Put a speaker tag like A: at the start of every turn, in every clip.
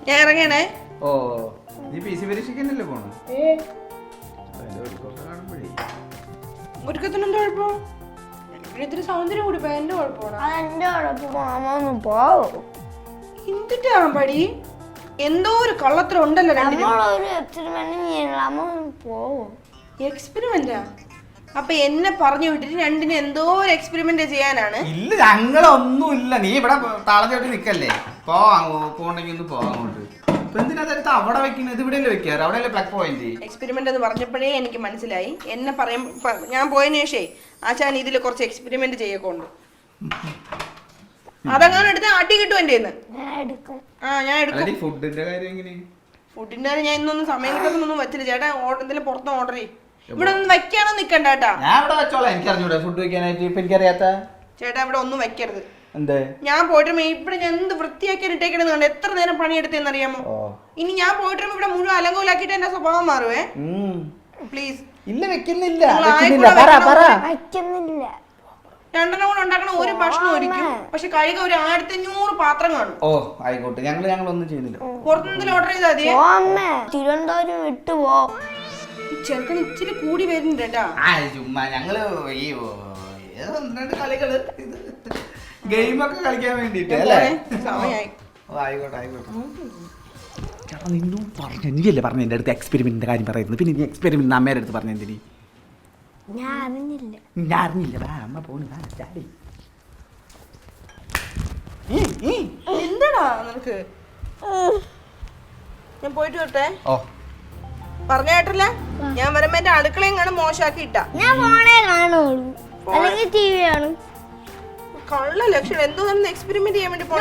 A: ഞാൻ ഇറങ്ങണേ.
B: ഓ നീ PC പരീക്ഷിക്കാനല്ലേ പോണു?
A: ഒരുക്കത്തിനെന്താ കുഴപ്പം? ഇത്തിരി സൗന്ദര്യം കൂടി എന്റെ കുഴപ്പമാണ്. എന്തിട്ടാ പടി? എന്തോ ഒരു കള്ളത്തരം ഉണ്ടല്ലോ. എക്സ്പെരിമെന്റാ? അപ്പൊ എന്നെ പറഞ്ഞു വിട്ടിട്ട് രണ്ടിനും എന്തോ ഒരു എക്സ്പെരിമെന്റ് ചെയ്യാനാണ്.
B: ഇല്ല ഞങ്ങളൊന്നും ഇല്ല. നീ ഇവിടെ താളത്തോട്ട് നിക്കല്ലേ, പോണ്ടെങ്കിൽ ഒന്ന് പോവാങ്ങോട്ട്. എന്തിനാ അവിടെ വെക്കുന്നത്? ഇവിടെയല്ലേ വെക്കാറ്, അവിടെയല്ലേ പ്ലഗ് പോയിന്റ്.
A: എക്സ്പെരിമെന്റ് എന്ന് പറഞ്ഞപ്പോഴേ എനിക്ക് മനസ്സിലായി. എന്നെ ഞാൻ പോയതിനു ശേഷേ ആശാൻ ഇതിൽ കുറച്ച് എക്സ്പെരിമെന്റ് ചെയ്യൊക്കെ. അതങ്ങനെ എടുത്ത് അടി കിട്ടും എന്റെ ഞാൻ എടുക്കും.
B: ഫുഡിന്റെ കാര്യം
A: ഫുഡിന്റെ കാര്യം ഞാൻ ഇന്നൊന്നും സമയം കിട്ടുന്നൊന്നും വെച്ചില്ല ചേട്ടാ. എന്തെങ്കിലും പുറത്ത് ഓർഡർ ചെയ്യും. ഇവിടെ ഒന്നും വെക്കാനോ നിക്കണ്ട കേട്ടാ.
B: ഞാൻ ഇവിടെ വെച്ചോളാം. എനിക്കറിഞ്ഞൂടെ ഫുഡ് വെക്കാനായിട്ട്. ഇപ്പൊ എനിക്കറിയാത്ത
A: ചേട്ടാ ഇവിടെ ഒന്നും വെക്കരുത്.
B: എന്തേ? ഞാൻ
A: പോയിട്ട് ഇവിടെ ഞാൻ എന്ത് വൃത്തിയാക്കി ഇട്ടേക്കണെന്ന് കണ്ട് എത്ര നേരം പണിയെടുത്തെന്ന് അറിയാമോ? ഇനി ഞാൻ പോയിട്ട് ഇവിടെ മുഴുവൻ അലങ്കോലാക്കിട്ട് എന്റെ സ്വഭാവം മാറുവേ. പ്ലീസ്.
B: ഇല്ല വെക്കുന്നില്ല.
A: രണ്ടെണ്ണം കൂടെ ഉണ്ടാക്കണ ഒരു ഭക്ഷണം ഒരിക്കും. പക്ഷെ കഴിയുക ഒരു 1500 പാത്രം കാണും.
B: ഓ ആയിക്കോട്ടെ, ഞങ്ങളൊന്നും ചെയ്യുന്നില്ല.
A: പുറത്തുനിന്ന് ഓർഡർ ചെയ്താൽ മതി.
C: തിരുവനന്തപുരം വിട്ടുപോ.
A: ചെറുക്കൻ ഇച്ചിരി കൂടി വരുന്നുണ്ട് കേട്ടാ.
B: ചുമ്മാ ഞങ്ങള് ഈ കളികള് ഗെയിമൊക്കെ കളിക്കാൻ വേണ്ടിട്ട് അല്ലേ?
A: സമയായി.
B: ആയിക്കോട്ടെ ആയിക്കോട്ടെ. നിന്നും പറഞ്ഞു, നീയല്ലേ പറഞ്ഞു എന്റെ അടുത്ത് എക്സ്പെരിമെന്റിന്റെ കാര്യം പറയുന്നത്. പിന്നെ നീ എക്സ്പെരിമെന്റ് അമ്മയുടെ അടുത്ത് പറഞ്ഞു എന്തിനീ?
C: ഞാൻ
B: അറിഞ്ഞില്ല. അമ്മ പോണു.
A: എന്താടാ നിനക്ക്? ഞാൻ പോയിട്ട് വരട്ടെ.
B: ഓ
A: പറഞ്ഞ കേട്ടില്ല. ഞാൻ വരുമ്പോ എന്റെ അടുക്കളയും കാണും മോശമാക്കി ഇട്ടാ.
C: ഞാൻ ഫോണേ കാണുള്ളൂ, അല്ലെങ്കിൽ TV കാണും.
A: കള്ള ലക്ഷണം. എന്തോ നമ്മൾ എക്സ്പെരിമെന്റ് ചെയ്യാൻ വേണ്ടി പോണ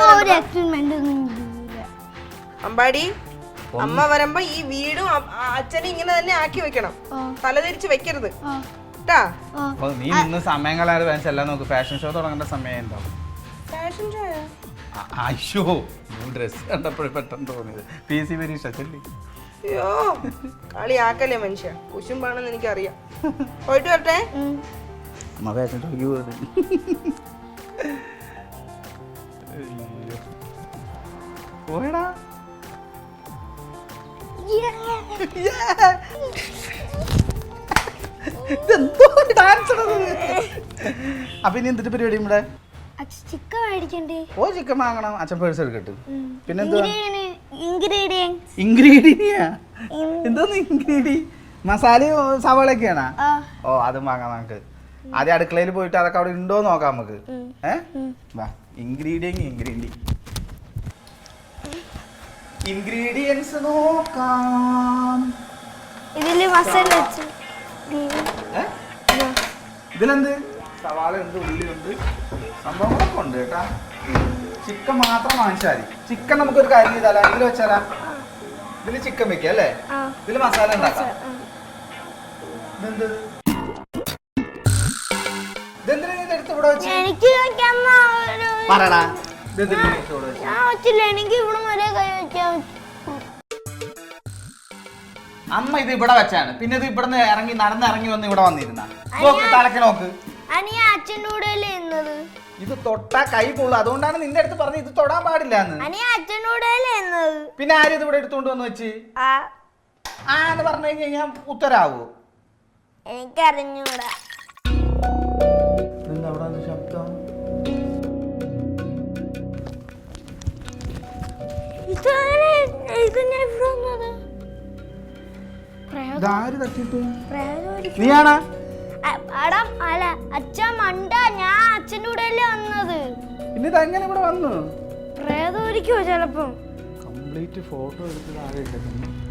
A: അമ്പാടി. അമ്മ വരുമ്പോ ഈ വീടും അച്ഛനും ഇങ്ങനെ തന്നെ ആക്കി വെക്കണം. തലതിരിച്ച് വെക്കരുത് കേട്ടാ.
B: നീ ഇന്ന് സമയം കളയാതെ വേണം നോക്ക്. ഫാഷൻ ഷോ തുടങ്ങേണ്ട സമയം എന്താവും?
A: Fashion show?
B: അയ്യോ ഡ്രസ് കണ്ടപ്പോഴേ പെട്ടെന്ന് തോന്നിയത്. PC പരീക്ഷ ചൊല്ലി.
A: അയ്യോ കളിയാക്കല്ലേ മനുഷ്യ. കുശുമ്പാണെന്ന് എനിക്കറിയാം. പോയിട്ട് വരട്ടെ.
B: അമ്മ ഫാഷൻ ഷോക്ക് പോയത്. പോയടാ. അപ്പൊ ഇനി എന്തിട്ട് പരിപാടി? ഇവിടെ
C: ചിക്കൻ മേടിക്കണ്ടേ?
B: ഓ ചിക്കൻ വാങ്ങണം. അച്ഛൻ പേഴ്സ് എടുക്കട്ടെ. പിന്നെന്താ എന്തോന്ന് ഇൻഗ്രീഡി? മസാലയും സവാളയൊക്കെയാണോ? ഓ അതും വാങ്ങാം നമുക്ക്. ആദ്യം അടുക്കളയിൽ പോയിട്ട് അതൊക്കെ അവിടെ ഉണ്ടോ നോക്കാം നമുക്ക്. ഇൻഗ്രീഡിയൻസ് നോക്കാം.
C: ഇതില് മസാല വെച്ച്
B: ഇതിലെന്ത്? സവാള ഉണ്ട്, ഉള്ളിയുണ്ട്, സംഭവങ്ങളൊക്കെ ഉണ്ട് കേട്ടാ. ചിക്കൻ മാത്രം വാങ്ങിച്ചാൽ മതി. ചിക്കൻ നമുക്കൊരു കാര്യം ചെയ്താലോ, ഇതിൽ വെച്ചാലാ? ഇതില് ചിക്കൻ വെക്കാം അല്ലേ? ഇതില് മസാല ഉണ്ടാക്കാം. ഇതെന്ത്? ഇതെന്തിനാ ഇത് എടുത്ത് ഇവിടെ വെച്ച്? പറടാ. അമ്മ ഇത് ഇവിടെ വെച്ചാണ്. പിന്നെ ഇത് ഇവിടെ നടന്നിറങ്ങി വന്ന് ഇവിടെ വന്നിരുന്ന തലക്ക് നോക്ക്.
C: അച്ഛൻ്റെ കൂടെ
B: ഇത് തൊട്ടാ കൈ പൊള്ളു. അതുകൊണ്ടാണ് നിന്റെ അടുത്ത് പറഞ്ഞത് ഇത് തൊടാൻ പാടില്ല എന്ന്. പിന്നെ ആരും ഇത് ഇവിടെ എടുത്തോണ്ട് വന്ന് വെച്ച് എന്ന് പറഞ്ഞു കഴിഞ്ഞാൽ ഉത്തരാവോ?
C: എനിക്കറിഞ്ഞൂടാ.
B: ശബ്ദം നീയാണാ?
C: അല്ല അച്ഛൻ മണ്ട, ഞാൻ അച്ഛൻ്റെ കൂടെ അല്ലേ വന്നത്.
B: പിന്നെ ഇതെങ്ങനെ ഇവിടെ വന്നു?
C: പ്രേതമായിരിക്കുമോ ചിലപ്പം.
B: കംപ്ലീറ്റ് ഫോട്ടോ എടുത്തത് ആരെ